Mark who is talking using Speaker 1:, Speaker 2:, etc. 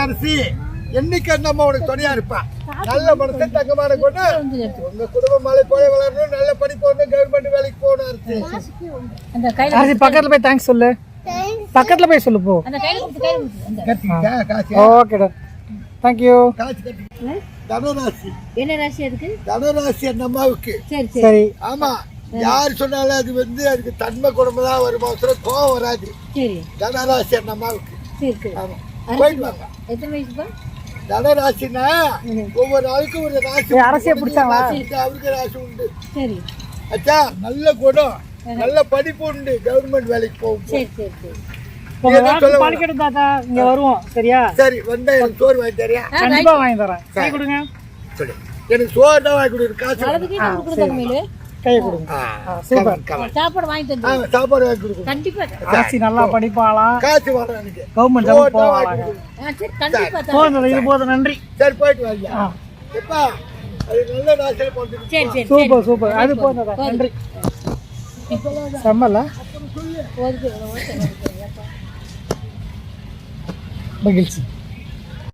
Speaker 1: அரசி என்னைக்கு அந்த அம்மா உனக்கு துணையா இருப்பா. நல்ல மனசன் தங்கமான கொண்டு உங்க குடும்பம் மலை போல வளரணும், நல்ல படிப்பு வரணும், கவர்மெண்ட் வேலைக்கு போகணும் அரசி.
Speaker 2: பக்கத்துல போய் தேங்க்ஸ் சொல்லு, பக்கத்துல போய் சொல்லு போ. ஓகேடா, தேங்க்யூ.
Speaker 1: தனுராசி.
Speaker 3: என்ன ராசி அதுக்கு?
Speaker 1: தனுராசி அந்த அம்மாவுக்கு.
Speaker 2: சரி.
Speaker 1: ஆமா, யார் சொன்னாலும் அது அதுக்கு தன்மை குடும்பம் தான் வருமா, கோவம் வராது. தனராசி அந்த அம்மாவுக்கு. ஆமா, போயிட்டு வாங்க.
Speaker 3: எத்தனை வயசுப்பா?
Speaker 1: தனராசினா ஒவ்வொரு நாளுக்கும் ஒரு ராசி.
Speaker 2: அரசியை பிடிச்சாங்களா?
Speaker 1: அவருக்கு ராசி உண்டு.
Speaker 3: சரி.
Speaker 1: அச்சா, நல்ல குணம், நல்ல படிப்பு உண்டு, கவர்மெண்ட் வேலைக்கு போகும்.
Speaker 2: இங்க வருவோம். சரியா?
Speaker 1: சரி, வந்தா எனக்கு சோறு வாங்கி தரியா?
Speaker 2: கண்டிப்பா வாங்கி தரேன். கை கொடுங்க.
Speaker 1: சரி, எனக்கு சோறு தான் வாங்கி கொடுக்குற காசு
Speaker 2: கை கொடுங்க. சூப்பர்.
Speaker 3: சாப்பாடு வாங்கி தந்து.
Speaker 1: சாப்பாடு வாங்கி கொடுக்குறேன்.
Speaker 3: கண்டிப்பா.
Speaker 2: அரசி நல்லா படிப்பாளாம்,
Speaker 1: காசு வரும் எனக்கு.
Speaker 2: கவர்மெண்ட் ஜாப் போவாங்க.
Speaker 3: சரி, கண்டிப்பா.
Speaker 2: போதும், இது போதும். நன்றி.
Speaker 1: சரி, போயிட்டு வாங்க. எப்பா, அது நல்ல ராசியில போட்டு.
Speaker 3: சரி சரி.
Speaker 2: Super super. அது போதும். நன்றி. செம்மல மகிழ்ச்சி.